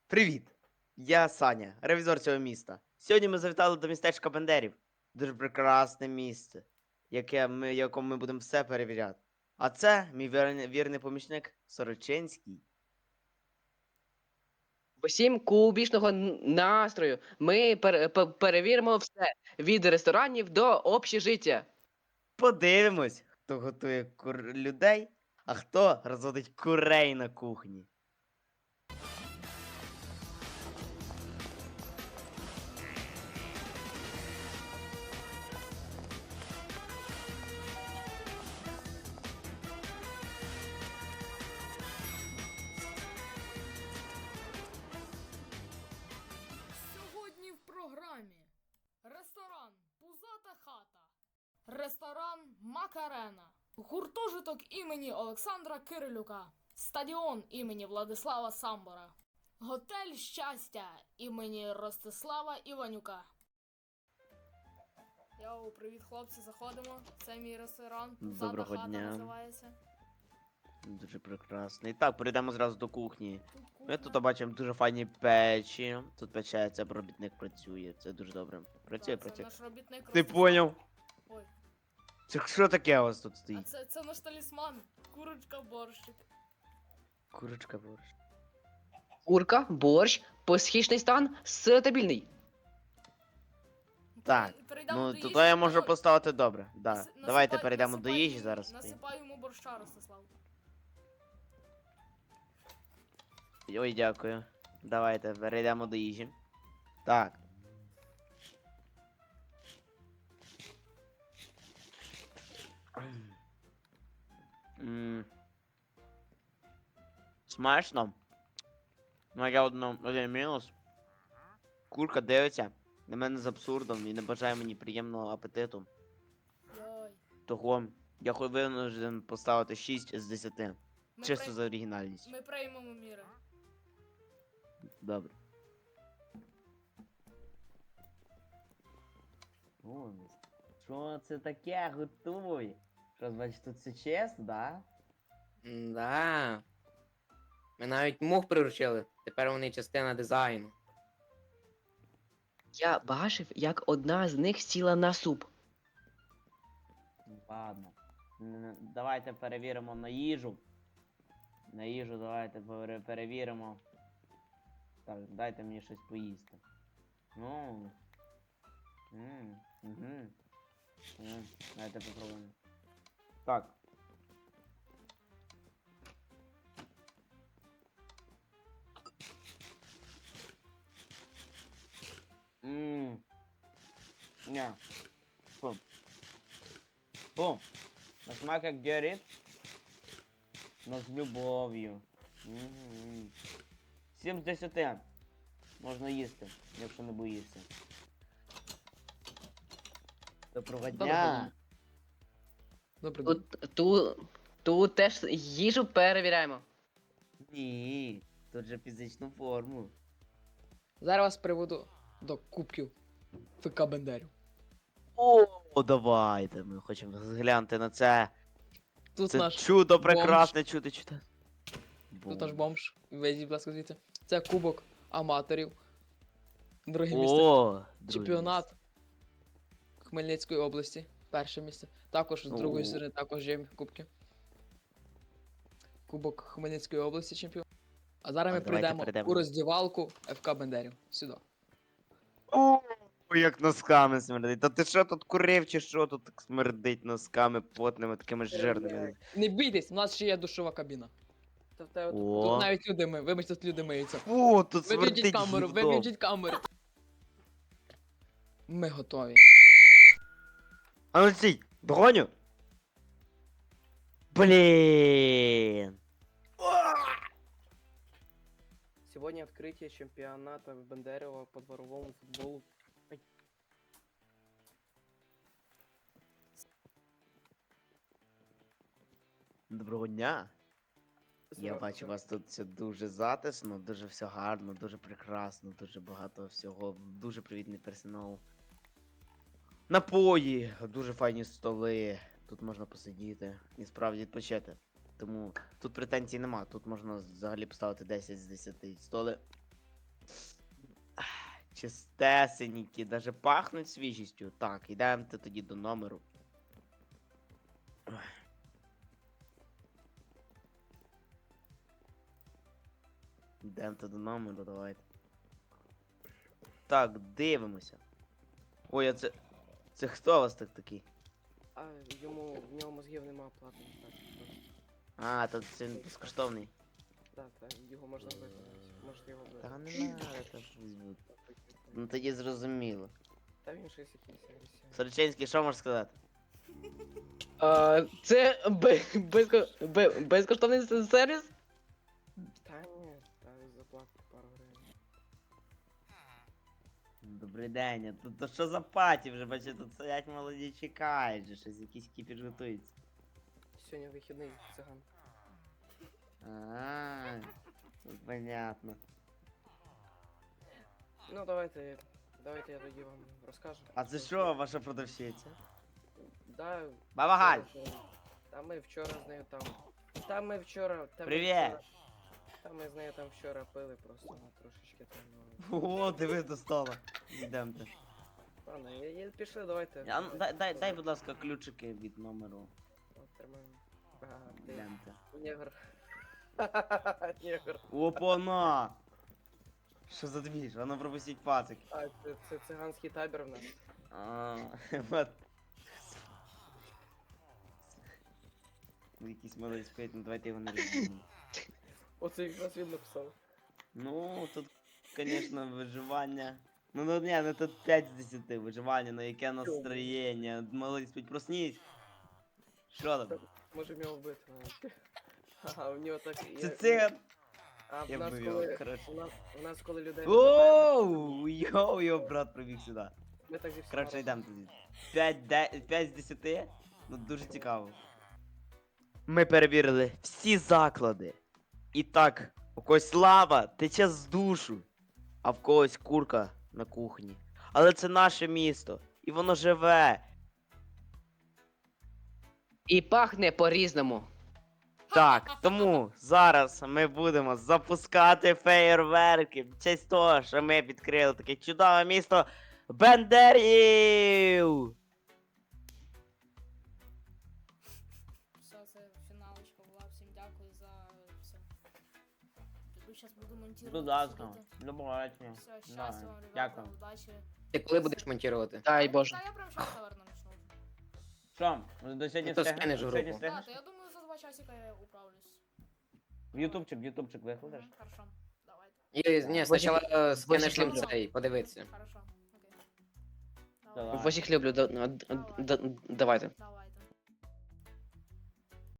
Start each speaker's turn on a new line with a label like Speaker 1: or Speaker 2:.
Speaker 1: Привіт! Я Саня, ревізор цього міста. Сьогодні ми завітали до містечка Бендерів. Дуже прекрасне місце, якому ми будемо все перевіряти. А це мій вірний помічник Сорочинський.
Speaker 2: Усім кубічного настрою. Ми перевіримо все від ресторанів до общежиття.
Speaker 1: Подивимось, хто готує людей, а хто розводить курей на кухні.
Speaker 3: Сьогодні в програмі ресторан Пузата хата, ресторан Макарена, гуртожиток імені Олександра Кирилюка, стадіон імені Владислава Самбора, готель щастя імені Ростислава Іванюка. Йоу, привіт, хлопці, заходимо. Це мій ресторан. Пузата
Speaker 1: Доброго
Speaker 3: хата
Speaker 1: дня.
Speaker 3: називається.
Speaker 1: Дуже прекрасно. І так, перейдемо зразу до кухні.
Speaker 3: Тут
Speaker 1: Ми
Speaker 3: кухня.
Speaker 1: тут бачимо дуже файні печі. Тут печеться, робітник працює. Це дуже добре. Працює,
Speaker 3: Так, це
Speaker 1: працює.
Speaker 3: наш робітник
Speaker 1: Ти
Speaker 3: Ростислав.
Speaker 1: поняв?
Speaker 3: Ой.
Speaker 1: Це що таке у вас тут
Speaker 3: А
Speaker 1: стоїть?
Speaker 3: це наш талісман. Курочка борщик.
Speaker 1: Курочка борщ.
Speaker 2: Курка, борщ, посхічний стан, стабільний.
Speaker 1: Так,
Speaker 3: Перейдемо
Speaker 1: ну
Speaker 3: до
Speaker 1: тут
Speaker 3: їжі.
Speaker 1: я можу поставити добре. Да. Давайте
Speaker 3: Насипай-
Speaker 1: перейдемо до
Speaker 3: насипай
Speaker 1: їжі
Speaker 3: йому-
Speaker 1: зараз.
Speaker 3: Насипай йому борща, Ростислав.
Speaker 1: Ой, дякую. Давайте перейдемо до їжі. Так. М. Смачно. Ну, я один мінус. Курка дивиться на мене з абсурдом і не бажає мені приємного апетиту.
Speaker 3: Йой.
Speaker 1: Того я винужден поставити 6 з 10.
Speaker 3: Ми,
Speaker 1: Чисто
Speaker 3: прий-
Speaker 1: за оригінальність.
Speaker 3: ми приймемо міри.
Speaker 1: Добре. О, що це таке? Готуй. Що, значить, тут все чесно, да?
Speaker 4: Да. Ми навіть мух приручили. Тепер вони частина дизайну.
Speaker 2: Я бачив, як одна з них сіла на суп.
Speaker 1: Ладно. Давайте перевіримо на їжу. На їжу давайте перевіримо. Так, дайте мені щось поїсти. Ну. Угу. Давайте попробуємо. Так. Ммм. Не. Фу. Фу. На смак як горит. Но з любов'ю. 7 з 10. Можна їсти, якщо не боїшся. Доброго дня.
Speaker 5: Добрий день.
Speaker 2: Тут теж їжу перевіряємо.
Speaker 1: Ні, тут же фізичну форму.
Speaker 5: Зараз вас приведу до кубків ФК Бендерів.
Speaker 1: О, давайте. Ми хочемо зглянути на це.
Speaker 5: Тут
Speaker 1: Це
Speaker 5: наш
Speaker 1: чудо прекрасне, чудо.
Speaker 5: тут наш бомж. Везіть, будь ласка, звідси. Це кубок аматорів. Друге місце.
Speaker 1: О,
Speaker 5: Чемпіонат Хмельницької області. Перше місце. Також з другої
Speaker 1: О.
Speaker 5: сторони також є кубки. Кубок Хмельницької області чемпіон. А зараз ми
Speaker 1: давайте
Speaker 5: прийдемо
Speaker 1: перейдемо.
Speaker 5: у роздівалку ФК Бендерів. Сюди.
Speaker 1: О, як носками смердить. Та ти що тут курив чи що тут так смердить носками потними, такими жирними?
Speaker 5: Не бійтесь, у нас ще є душова кабіна. Тут
Speaker 1: О,
Speaker 5: навіть люди ми. Вибачте, тут люди миються.
Speaker 1: фу, тут
Speaker 5: Виключіть
Speaker 1: смердить
Speaker 5: камеру,
Speaker 1: гівном.
Speaker 5: виключіть камеру. Ми готові.
Speaker 1: А ну стій, догоню. Блін.
Speaker 6: Сегодня открытие чемпионата Бендерева по дворовому футболу.
Speaker 1: Доброго дня. Я бачу, у вас тут все дуже затишно, дуже все гарно, дуже прекрасно, дуже багато всього, дуже привітний персонал. Напої, дуже файні столи, тут можна посидіти і справді відпочити. Тому тут претензій нема, тут можна взагалі поставити 10 з 10 столи. Чистесенькі, даже пахнуть свіжістю. Так, йдемо тоді до номеру. Ой. Йдемо до номеру, давайте. Так, дивимося. Ой, а це. Це хто у вас так такий?
Speaker 6: А в нього мозгів нема платно. Так, просто.
Speaker 1: А, то це безкоштовний.
Speaker 6: Так, його можна вбити. Можете його вбити.
Speaker 1: Та не надо, так візьмуть. Ну тоді зрозуміло.
Speaker 6: Та він щось якийсь агресивний.
Speaker 1: Сорочинський, що можеш сказати?
Speaker 2: Це безкоштовний сервіс?
Speaker 6: Та ні, та заплатити пару гривень.
Speaker 1: Добрий день, а тут то що за паті вже, бачите, тут стоять молоді чекають, же щось якийсь кіпіш готується.
Speaker 6: Сьогодні вихідний циган.
Speaker 1: А, ну, понятно.
Speaker 6: Ну давайте я тоді вам розкажу.
Speaker 1: А це що, ваша продавщиця?
Speaker 6: Да,
Speaker 1: Баба Галь!
Speaker 6: Та ми вчора з нею там. Та ми вчора.
Speaker 1: Привіт!
Speaker 6: Та ми з нею там вчора пили просто трошечки там. Ну.
Speaker 1: О, диви до стола. Йдемте.
Speaker 6: Ладно, пішли, давайте.
Speaker 1: А, ну, дай, будь ласка, ключики від номеру.
Speaker 6: От, тримаємо. Ага, ти
Speaker 1: Йдемте.
Speaker 6: негр. Негр.
Speaker 1: Опана! Що за двіж? Воно пропустіть пацик.
Speaker 6: А, це циганський табір в нас.
Speaker 1: А, вот. Якийсь малий спить, ну давайте його не розуміємо.
Speaker 6: Оце якраз він написав.
Speaker 1: Ну, тут, звісно, виживання. Ну, ні, ну тут 5 з 10 виживання, ну яке настроєння. Малий спить, проснись. Що там?
Speaker 6: Можемо його вбити. Ага, у нього так.
Speaker 1: Це циган!
Speaker 6: А в
Speaker 1: Я
Speaker 6: нас
Speaker 1: б
Speaker 6: коли.
Speaker 1: його, коротше.
Speaker 6: У нас коли людей.
Speaker 1: Оу, його брат прибіг сюди.
Speaker 6: Ми так зі всіма
Speaker 1: Коротше,
Speaker 6: разом.
Speaker 1: йдемо тоді. 5 з 10? Ну дуже цікаво. Ми перевірили всі заклади. І так, у когось лава тече з душу, а в когось курка на кухні. Але це наше місто, і воно живе.
Speaker 2: І пахне по-різному.
Speaker 1: Так, тому зараз ми будемо запускати феєрверки в честь того, що ми відкрили таке чудове місто Бендерів!
Speaker 3: Все, це фіналочка була. Всім дякую за все. Піду зараз буду монтувати.
Speaker 1: Будь ласка,
Speaker 3: сидіти.
Speaker 1: до побачення.
Speaker 3: Все, щастя вам, ребята,
Speaker 1: Дякую.
Speaker 3: удачі.
Speaker 4: Ти коли будеш монтувати?
Speaker 2: Дай Боже.
Speaker 3: Та я прям зараз, наверное, начну.
Speaker 1: Що, до сьогодні
Speaker 4: Ну, то
Speaker 1: встигнеш?
Speaker 4: скинеш в
Speaker 1: Сьогодні
Speaker 4: групу.
Speaker 1: встигнеш?
Speaker 3: Так, я думаю, за 2 часика я управлюсь.
Speaker 1: В ютубчик викладеш?
Speaker 3: Хорошо, давайте.
Speaker 4: Ні, спочатку скинеш їм
Speaker 2: люблю.
Speaker 4: цей, подивитися.
Speaker 3: Хорошо, окей.
Speaker 1: Давай.
Speaker 2: Ось їх люблю, давайте.
Speaker 3: Давай.